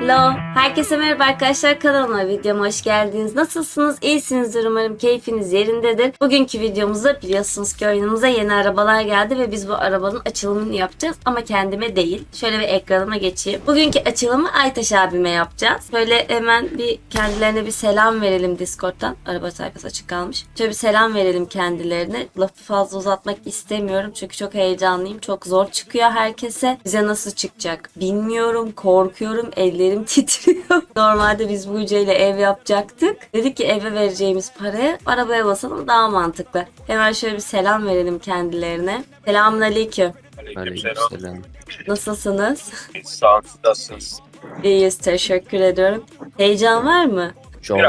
Hello, herkese merhaba arkadaşlar, kanalıma, videoma hoş geldiniz. Nasılsınız? İyisinizdir umarım, keyfiniz yerindedir. Bugünkü videomuzda biliyorsunuz ki oyunumuza yeni arabalar geldi ve biz bu arabanın açılımını yapacağız ama kendime değil. Şöyle bir ekranıma geçeyim. Bugünkü açılımı Aytaş abime yapacağız. Böyle hemen bir kendilerine bir selam verelim Discord'dan. Araba sayfası açık kalmış. Şöyle bir selam verelim kendilerine. Lafı fazla uzatmak istemiyorum çünkü çok heyecanlıyım. Çok zor çıkıyor herkese. Bize nasıl çıkacak bilmiyorum, korkuyorum. Ellerim titriyor. Normalde biz bu ile ev yapacaktık. Dedik ki eve vereceğimiz paraya arabaya basalım, daha mantıklı. Hemen şöyle bir selam verelim kendilerine. Selamünaleyküm. Aleykümselam. Nasılsınız? Sağ olun, siz nasılsınız? İyiyiz, teşekkür ediyorum. Heyecan var mı? Çok.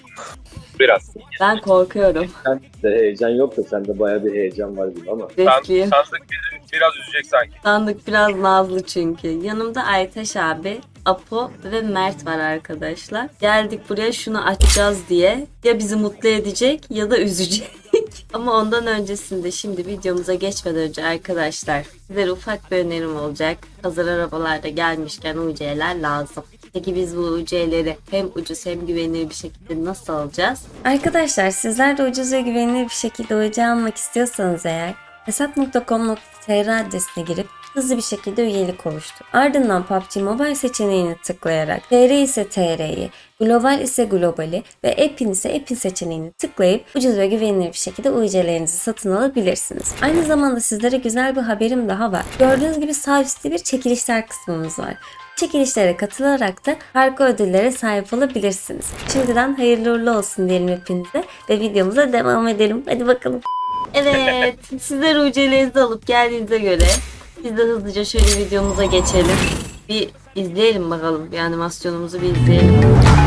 Biraz. Ben korkuyorum. De heyecan yok da sende bayağı bir heyecan var gibi ama. Riskliyim. Sandık bizi biraz üzecek sanki. Sandık biraz nazlı çünkü. Yanımda Aytaş abi, Apo ve Mert var arkadaşlar. Geldik buraya şunu açacağız diye. Ya bizi mutlu edecek ya da üzecek. Ama ondan öncesinde şimdi videomuza geçmeden önce arkadaşlar sizlere ufak bir önerim olacak. Hazır arabalarda gelmişken UC'ler lazım. Peki biz bu UC'leri hem ucuz hem güvenilir bir şekilde nasıl alacağız? Arkadaşlar sizler de ucuz ve güvenilir bir şekilde UC almak istiyorsanız eğer hesap.com.tr adresine girip hızlı bir şekilde üyelik oluştur. Ardından PUBG Mobile seçeneğini tıklayarak TR ise TR'yi, Global ise Global'i ve App'in ise App'in seçeneğini tıklayıp ucuz ve güvenilir bir şekilde UC'lerinizi satın alabilirsiniz. Aynı zamanda sizlere güzel bir haberim daha var. Gördüğünüz gibi sağ üstte bir çekilişler kısmımız var. Çekilişlere katılarak da harika ödüllere sahip olabilirsiniz. Şimdiden hayırlı uğurlu olsun diyelim hepinize ve videomuza devam edelim. Hadi bakalım. Evet, sizler UC'lerinizi alıp geldiğinize göre biz de hızlıca şöyle videomuza geçelim. Bir izleyelim bakalım. Bir animasyonumuzu bir izleyelim.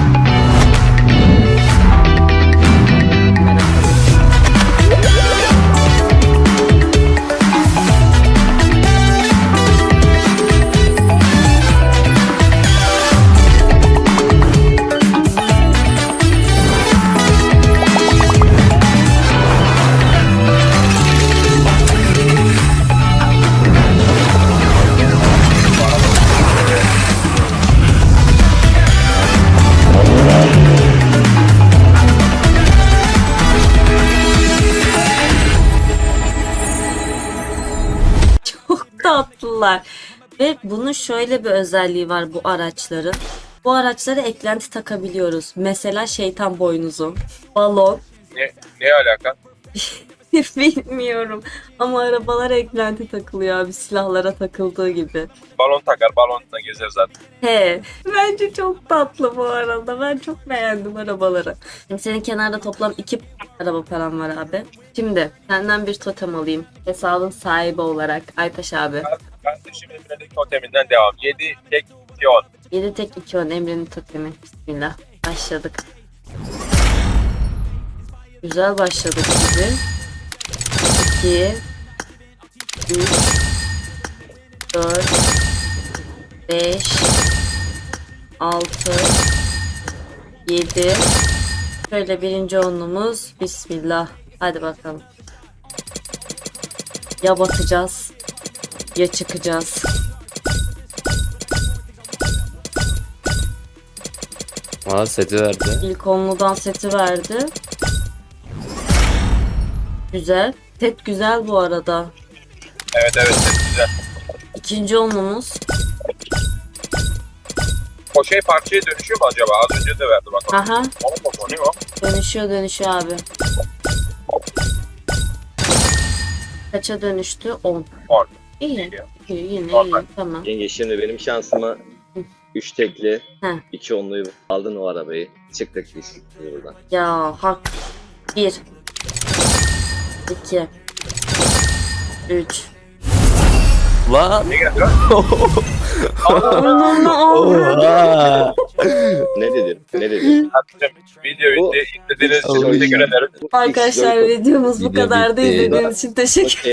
Tatlılar. Ve bunun şöyle bir özelliği var bu araçların. Bu araçlara eklenti takabiliyoruz. Mesela şeytan boynuzu, balon. Ne alaka? Bilmiyorum. Ama arabalara eklenti takılıyor abi, silahlara takıldığı gibi. Balon takar, balonla gezer zaten. He. Bence çok tatlı bu arada. Ben çok beğendim arabaları. Şimdi senin kenarda toplam 2 araba param var abi. Şimdi senden bir totem alayım. Hesabın sahibi olarak Aytaş abi. Ben de şimdi Emre'deki toteminden devam. 7 tek 2 10. 7 tek 2 10 Emre'nin totemi. Bismillah. Başladık. Güzel başladık gibi. 2 3 4 5 6 7. Şöyle birinci onluğumuz. Bismillah. Hadi bakalım. Ya batacağız ya çıkacağız. Aa, seti verdi. İlk onludan seti verdi. Güzel. Set güzel bu arada. Evet çok güzel. İkinci onlumuz. O şey parçaya dönüşüyor mu acaba? Az önce de verdi bak. Aha. O ne o? Dönüşüyor abi. Kaça dönüştü? 10. 10. İyi. İyi, yine Normal. iyi. Tamam. Yenge şimdi benim şansıma 3 tekli, Heh. 2 onluyu aldın o arabayı. Çıktık biz buradan. Ya hak. 1 2 3 Lan. Ne geldi lan? Oha. Ne dedin? Ne dedin? Hakkım videoyu izlediğiniz için Oy. teşekkür ederim. Arkadaşlar videomuz bu Video kadar da bitti. izlediğiniz için teşekkür Okey.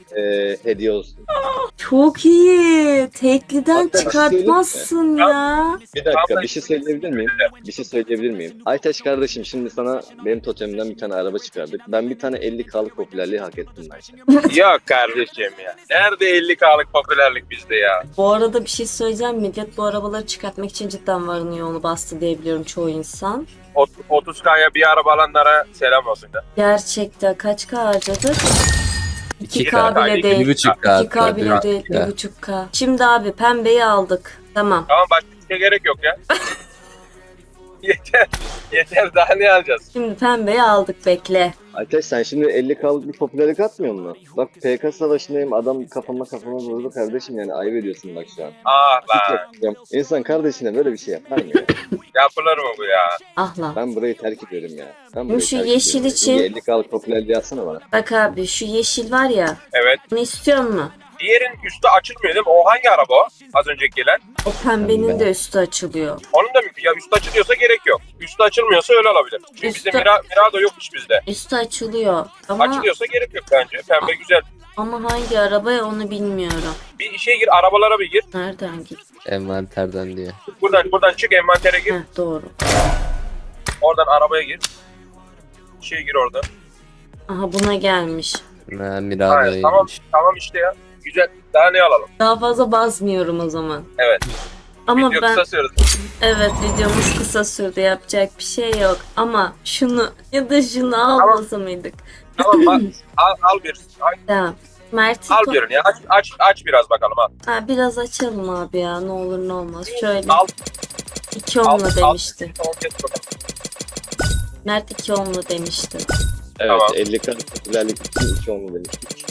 hediye olsun. Çok iyi. Tekliden Hatta çıkartmazsın ya. Bir dakika bir şey söyleyebilir miyim? Bir şey söyleyebilir miyim? Aytaç kardeşim şimdi sana benim totemimden bir tane araba çıkardık. Ben bir tane 50K'lık popülerliği hak ettim bence. Yok kardeşim ya. Nerede 50K'lık popülerlik bizde ya? Bu arada bir şey söyleyeceğim. Millet bu arabaları çıkartmak için cidden varını yoğunu bastı diye biliyorum çoğu insan. 30K'ya bir araba alanlara selam olsun da. Gerçekten kaç K harcadık? 2K 2K, bile değil. 1.5K. 2K bile değil. 1.5K. Şimdi abi pembeyi aldık. Tamam. Tamam başka bir şeye gerek yok ya. yeter. Yeter daha ne alacağız? Şimdi pembeyi aldık bekle. Aytaç sen şimdi 50K'lık bir popülerlik atmıyor musun? Bak PK savaşındayım adam kafama vurdu kardeşim yani ayıp ediyorsun bak şu an. Ah Hiç lan. yapacağım. İnsan kardeşine böyle bir şey yapar mı ya? Yapılır mı bu ya? Ah lan. Ben burayı terk ediyorum ya. Ben burayı şu terk yeşil ediyorum. için- Bir 50K'lık popülerliği atsana bana. Bak abi şu yeşil var ya. Evet. Bunu istiyor mu? Diğerin üstü açılmıyor değil mi? O hangi araba o? Az önceki gelen. O pembenin Pembe. de üstü açılıyor. Onun da ya üstü açılıyorsa gerek yok. Üstü açılmıyorsa öyle olabilir. Çünkü bizde Üstü- Mirado yokmuş bizde. Üstü açılıyor. Ama Açılıyorsa gerek yok bence. Pembe güzel. hangi arabaya onu bilmiyorum. Bir işe gir, arabalara bir gir. Nereden git? Envanterden diye. Buradan çık, envantere gir. Heh, doğru. Oradan arabaya gir. Gir orada. Aha buna gelmiş. Ha, Mirado'ymuş. Tamam işte ya. Güzel. Daha ne alalım? Daha fazla basmıyorum o zaman. Evet. Ama Video ben kısa sürdü. evet videomuz kısa sürdü yapacak bir şey yok. Ama şunu ya da şunu almasa mıydık? Tamam al bir. Tamam. Mert Al birini ya. Aç biraz bakalım al. Ha, biraz açalım abi ya ne olur ne olmaz. Şöyle Al. 2 onlu demişti. Al, geç bakalım. Mert 2 onlu demişti. Evet Tamam. 50K'lık popülerlik için 2 olmalı demiştik.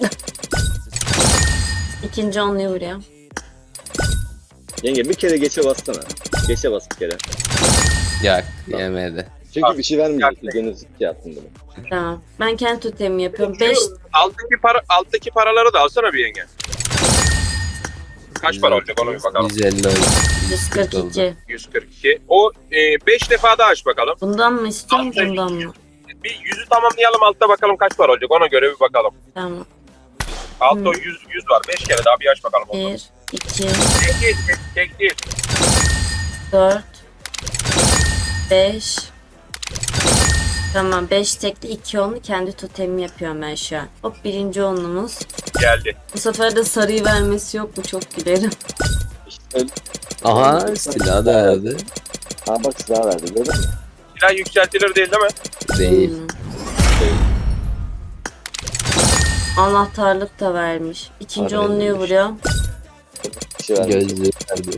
İkinci onluyu vuruyor. Yenge bir kere geçe bassana. Geçe bas bir kere. Yak yemedi. Çünkü Bak, bir şey vermeyecek. gerçekten. Videonuz şey yaptım bunu. Tamam. Ben kendi totemimi yapıyorum. 5 Alttaki paraları da alsana bir yenge. Kaç para olacak onu bir bakalım. 150 oldu. 142. 142. O 5 defa daha aç bakalım. Bundan mı istiyorsun bundan mı? Bir yüzü tamamlayalım altta bakalım kaç para olacak ona göre bir bakalım. Tamam. Altta o 100 var. 5 kere daha bir aç bakalım. 1, 2, Tek değil. 4, 5. Tamam 5 tekli 2 onlu kendi totemimi yapıyorum ben şu an. Hop birinci onlumuz. Geldi. Bu sefer de sarıyı vermesi yok mu çok gülerim. İşte Aha silah da verdi. ha bak silah verdi gördün mü? Silah yükseltilir değil mi? Değil. Hmm. Anahtarlık da vermiş. İkinci Harbi onluyu vermiş. vuruyor. Bir şey vermedi. Gözlüğü verdi.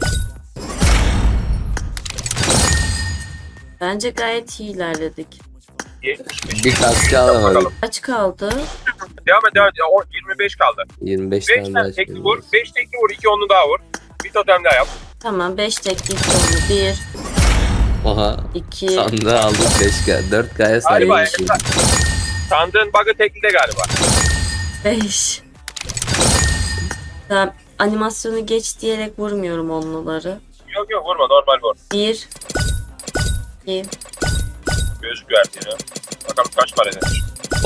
Bence gayet iyi ilerledik. 75. Bir kaskı alamadık. Bakalım. Kaç kaldı? Devam et. O 25 kaldı. 25 5 tane tane daha tekli vur. 5 tekli vur. 2 onlu daha vur. Bir totem daha yap. Tamam 5 tekli 2 onlu. 1, Oha. 2, Sandığı aldık 5K. 4K'ya Galiba sahip. sandığın bug'ı teklide galiba. 5. Tamam animasyonu geç diyerek vurmuyorum onluları. Yok vurma normal vur. 1, 2, Gözlük verdiğini. Bakalım kaç para demiş.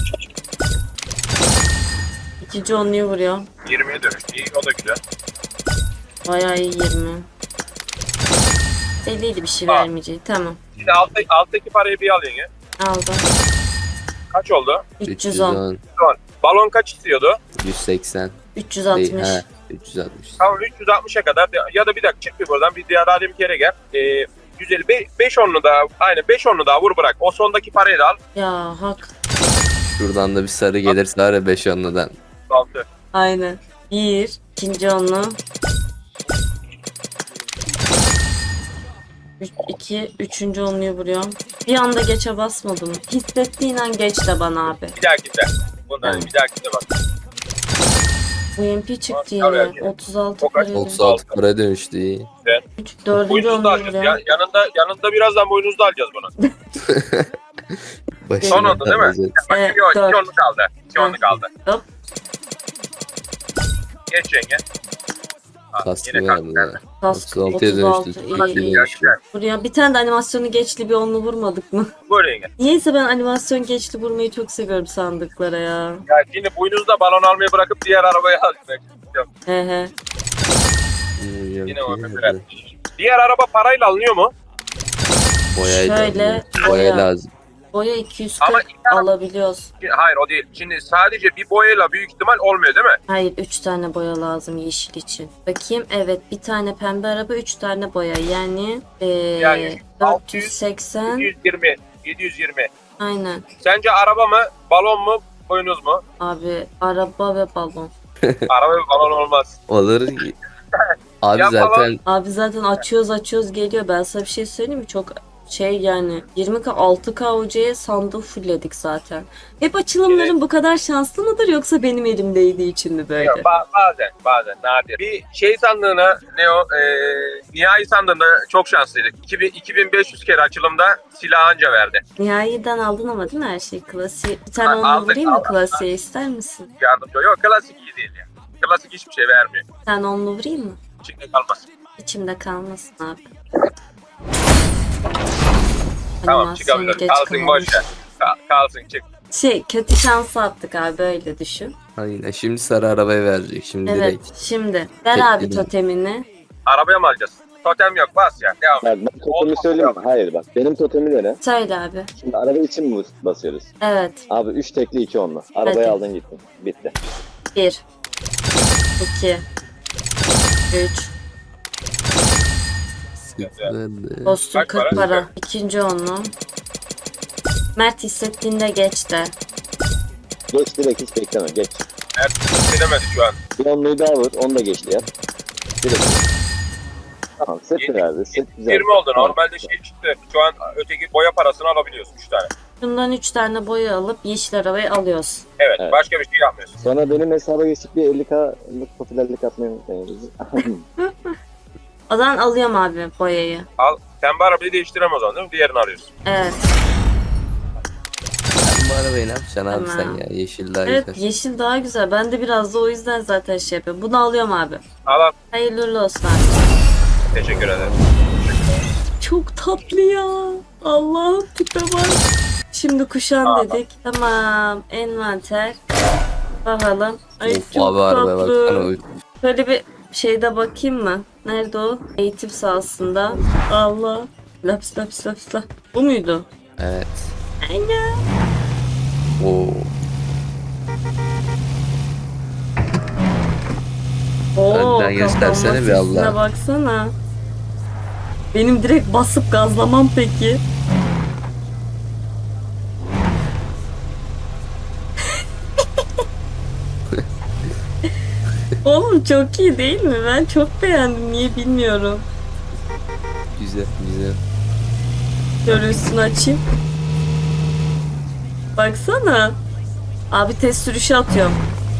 ikinci onluyu vuruyor. 20'ye dönüştü. İyi o da güzel. Bayağı iyi 20. Belliydi bir şey Aa. vermeyeceği. Tamam Şimdi alttaki parayı bir al yenge. aldım. Kaç oldu? 310, Balon kaç istiyordu? 180. 360. Değil, ha, 360. Tamam 360'a kadar ya da bir dakika çık bir buradan bir diğer bir kere gel. 150 5 onlu daha aynen 5 onlu daha vur bırak. O sondaki parayı da al. Ya hak. Şuradan da bir sarı gelirse var ya 5 onludan. 6. Aynen. 1, ikinci onlu. 2, üçüncü onluyu vuruyorum. Bir anda geçe basmadım. Hissettiğin an geç de bana abi. Bir dahakinde. Bundan Tamam. bir dahakinde bak. Bu MP çıktı Tabii, yine. tabii. 36 O kaç? paraydı. 36 para dönüştü iyi. Dördüncü Boynuzlu da onluyu alacağız. vuruyorum. Yanında birazdan boynuzlu alacağız bunu. Başına Son oldu değil mi? kalacak. Bak Evet, yok 2 dört. onlu kaldı. 2 onlu kaldı. Hop. Geç yenge. Kaskı yine verdi kask ya. Kask 36'ya 36 dönüştü. iyi iyi. Buraya bir tane de animasyonu geçli bir onlu vurmadık mı? Buyurun yenge. Niyeyse ben animasyon geçli vurmayı çok seviyorum sandıklara ya. Ya şimdi boynuzda balon almayı bırakıp diğer arabayı almak. He he. Yine o mesela. Diğer araba parayla alınıyor mu? Boyayla. Şöyle, Boya boya. lazım. Boya Ama 240 iki araba- alabiliyoruz. Hayır o değil. Şimdi sadece bir boyayla büyük ihtimal olmuyor değil mi? Hayır 3 tane boya lazım yeşil için. Bakayım evet bir tane pembe araba 3 tane boya yani, Yani 480 720. 720. aynen. Sence araba mı, balon mu, boynuz mu? Abi araba ve balon. Araba ve balon olmaz. Olur. Abi Ya zaten Abi zaten açıyoruz geliyor. Ben sana bir şey söyleyeyim mi? Çok şey yani 20K 6K hocaya sandığı fullledik zaten. Hep açılımların bu kadar şanslı mıdır yoksa benim elimdeydiği için mi böyle? Yok, bazen nadir. Bir şey sandığına ne o nihai sandığında çok şanslıydık. 2500 kere açılımda silah anca verdi. Nihai'den aldın ama değil mi her şey? Klasiği. Bir tane Ha, onunla aldık, vurayım mı aldık. klasiğe ister misin? Yardımcı yok klasik iyi değil ya. Klasik hiçbir şey vermiyor. Bir tane onunla vurayım mı? İçinde kalmaz. İçimde kalmasın abi. Tamam Animasyon çıkabilir. geç Kalsın kalmış. boş ver. Kalsın çık. Şey kötü şansı attık abi öyle düşün. aynen şimdi sarı arabayı verecek şimdi Evet direkt. şimdi ver Tek abi dedim. totemini. Arabaya mı alacağız? Totem yok bas ya. Devam. Bak ben totemi söyleyeyim mi? Hayır bak. Benim totemi de ne? Söyle abi. Şimdi araba için mi basıyoruz? Evet. Abi 3 tekli 2 onlu. Arabayı Hadi. aldın gittin. Bitti. 1 2 3 Sıkıldı. Kostüm Kaç 40 para? para. İkinci onlu. Mert hissettiğinde geç de. Geç direkt hiç bekleme. Geç. Edemedi şu an. Bir onluyu daha vur. Onu da geçti yap. Direkt. Tamam set Yedi- verdi. Set güzel. 20 oldu. Tamam. Normalde şey çıktı. Şu an öteki boya parasını alabiliyorsun 3 tane. Bundan 3 tane boya alıp yeşil arabayı alıyoruz. Evet, Evet. başka bir şey yapmıyorsun. Sonra benim hesaba geçip bir 50K'lık popülerlik atmayı unutmayın. O zaman alıyorum abi boyayı. Al. Sen bu arabayı değiştiremez o zaman değil mi? Diğerini alıyorsun. Evet. Sen bu arabayı ne yapacaksın abi Tamam. sen ya? Yeşil daha Evet güzel. yeşil daha güzel. Ben de biraz da o yüzden zaten şey yapıyorum. Bunu alıyorum abi. Al. Hayırlı uğurlu olsun abi. Teşekkür ederim. Çok tatlı ya. Allah'ım tipe bak. Şimdi kuşan dedik. Tamam. Envanter. Bakalım. Ay Of çok abi arabaya tatlı. baksana. Şöyle bir şeyde bakayım mı? Nerede o? Eğitim sahasında. Allah. Laps laps laps laps. Bu muydu? Evet. Aynen. Oo. Oo, Önden göstersene kafamın bir Allah. sesine baksana. Benim direkt basıp gazlamam peki. Oğlum çok iyi değil mi? Ben çok beğendim. Niye bilmiyorum. Güzel güzel. Şöyle üstünü açayım. Baksana. Abi test sürüşü atıyorum.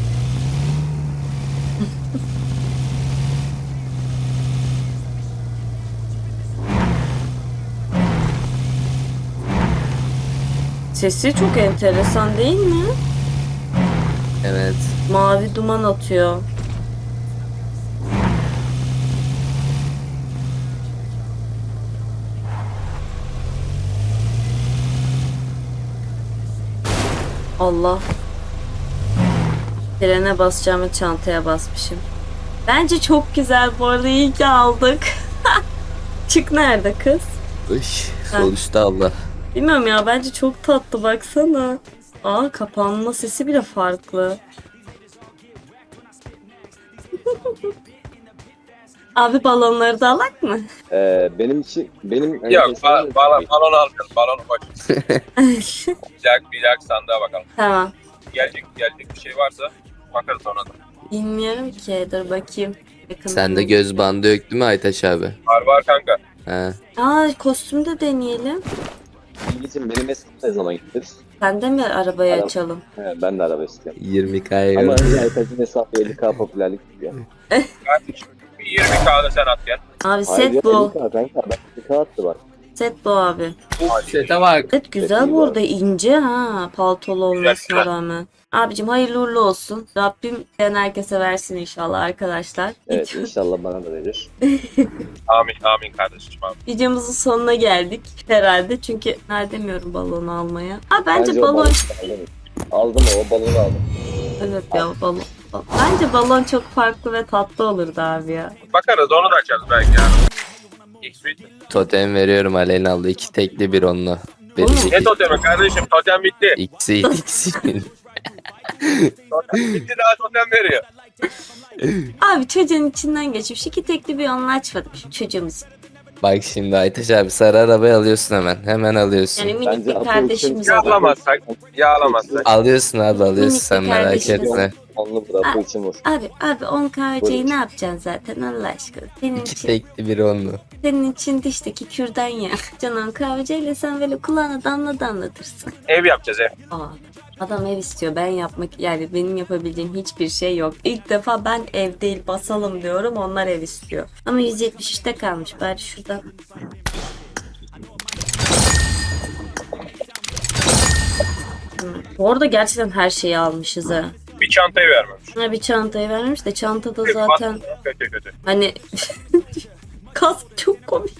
Sesi çok enteresan değil mi? Evet. Mavi duman atıyor. Allah. Frene basacağımı çantaya basmışım. Bence çok güzel bu arada iyi ki aldık. Çık nerede kız? Iş. Sol üstte abla. Bilmiyorum ya bence çok tatlı baksana. Aa kapanma sesi bile farklı. Abi balonları da alak mı? Benim için benim Yok, hesabım- balon alacağız. Balonu koy. Bir dakika sandığa bakalım. Tamam. Gelecek bir şey varsa bakarız ona da. Bilmiyorum ki dur bakayım. Yakın Sende göz bandı yok değil mi Aytaş abi? Var kanka. He. Aa kostümü de deneyelim. Bilgicim benim hesabım ne zaman gideriz? Sen de mi arabayı Araba. açalım? He, ben de araba istiyorum. 20K'ya Ama yok. önce Aytaç'ın hesabı 50K popülerlik istiyor. Bir 20K'da sen at gel. Abi Hayır ya set bu. 50K kanka. Ben 50K attı bak. Set bu abi. Sete bak. Evet güzel bu arada, ince ha, paltolu olmasına güzel. rağmen. Abicim hayırlı uğurlu olsun. Rabbim ben herkese versin inşallah arkadaşlar. Evet inşallah bana da verir. Amin amin kardeşim amin. Videomuzun sonuna geldik herhalde. Çünkü demiyorum balonu almaya. Abi bence o balon... balonu aldım. Aldım o balonu aldım. Evet ya balon. Bence balon çok farklı ve tatlı olurdu abi ya. Bakarız onu da açarız belki ya. X-Suite mi? Totem veriyorum Aleyna abla. 2 tekli bir onunla. Oğlum, Ne totemi kardeşim? Totem bitti. İkisi. Totem bitti daha totem veriyor. Abi çocuğun içinden geçmiş. 2 tekli bir onunla açmadım şu çocuğumuz. Bak şimdi Aytaç abi sarı arabayı alıyorsun hemen. Hemen alıyorsun. Yani minik Bence bir Apple kardeşimiz için- olur. Yağlamazsak. Yağlamazsak. Alıyorsun abi alıyorsun Minik sen bir merak kardeşimiz. etme. Onlu bıraktığı için vur. Abi 10 KC'yi Buyurun. ne yapacaksın zaten Allah aşkına? Senin 2 için, tekli bir onlu. senin için dişteki kürdan ya. Canan kahveciyle sen böyle kulağına damlatırsın. Ev yapacağız ev. Aa, adam ev istiyor. Ben yapmak, yani benim yapabileceğim hiçbir şey yok. İlk defa ben ev değil basalım diyorum. Onlar ev istiyor. Ama 173'te kalmış. Bari şurada. Bu arada gerçekten her şeyi almışız ha. Bir çantayı vermemiş. Ha, bir çantayı vermiş de çantada zaten Kötü. hani kask çok komik.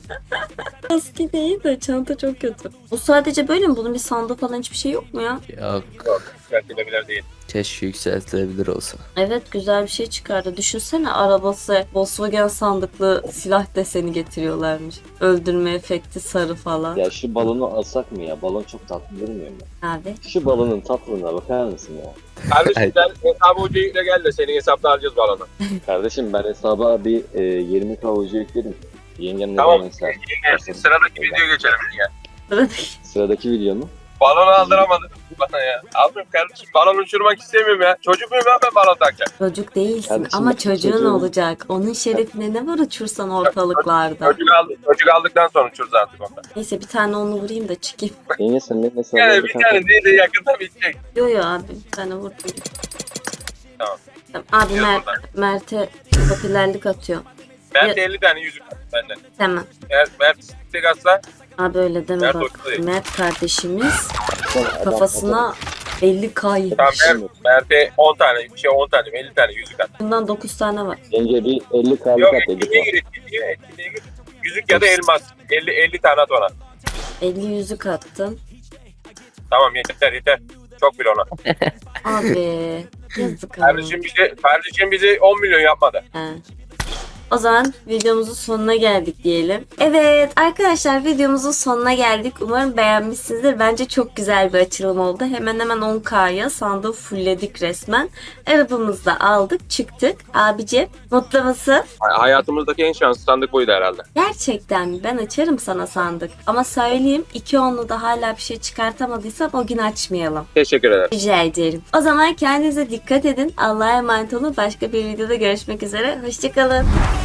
Kask değil de çanta çok kötü. Bu sadece böyle mi? Bunun bir sandığı falan hiçbir şey yok mu ya? Yok. Yükseltilebilir değil. Keşke yükseltilebilir olsa. Evet güzel bir şey çıkardı. Düşünsene arabası Volkswagen sandıklı silah deseni getiriyorlarmış. Öldürme efekti sarı falan. Ya şu balonu alsak mı ya? Balon çok tatlı durmuyor mu? Abi. Şu balonun tatlılığına bakar mısın ya? Kardeşim sen hesabı ucu yükle gel de senin hesapta alacağız balonu. Kardeşim ben hesaba bir 20K ucu yükledim. Yengem ne Tamam. zaman ister? Sıradaki video geçelim ya. Sıradaki. Sıradaki video mu? Balonu aldıramadım bana ya. Almıyorum kardeşim. Balon uçurmak istemiyorum ya. Çocuk muyum ya ben balon takacağım. Çocuk değilsin Kardeşim, ama çocuğun çocuğun- olacak. Onun şerefine ne var uçursan ortalıklarda. Çocuk aldıktan sonra uçuruz artık onda. Neyse bir tane onu vurayım da çıkayım. Yenge sen benim hesabımda Yani bir tane değil de yakında bitecek. Yo abi bir tane vurdum. Tamam. Tamam. Abi Yok Mert'e popülerlik atıyor. Mert 50 tane yüzük var benden. Tamam. Eğer Mert istek atsa Abi öyle deme Mert bak. ortada değil. Mert kardeşimiz kafasına 50K yemiş. tamam Mert'e 10 tane 10 tane 50 tane yüzük at. Bundan 9 tane var. Yenge bir 50K'lık Yok at etkinliğe 50K. gir etkinliğe gir. Yüzük ya da elmas. 50 tane at ona. 50 yüzük attım. Tamam yeter. Çok bile ona. Abi yazık abi. Kardeşim bizi 10 milyon yapmadı. He. O zaman videomuzun sonuna geldik diyelim. Evet arkadaşlar videomuzun sonuna geldik. Umarım beğenmişsinizdir. Bence çok güzel bir açılım oldu. Hemen 10K'ya sandığı fullledik resmen. Arabamızı da aldık çıktık. Abicim mutlu musun? Hayatımızdaki en şanslı sandık buydu herhalde. Gerçekten mi? Ben açarım sana sandık. Ama söyleyeyim 2 onlu da hala bir şey çıkartamadıysam o gün açmayalım. Teşekkür ederim. Rica ederim. O zaman kendinize dikkat edin. Allah'a emanet olun. Başka bir videoda görüşmek üzere. Hoşçakalın.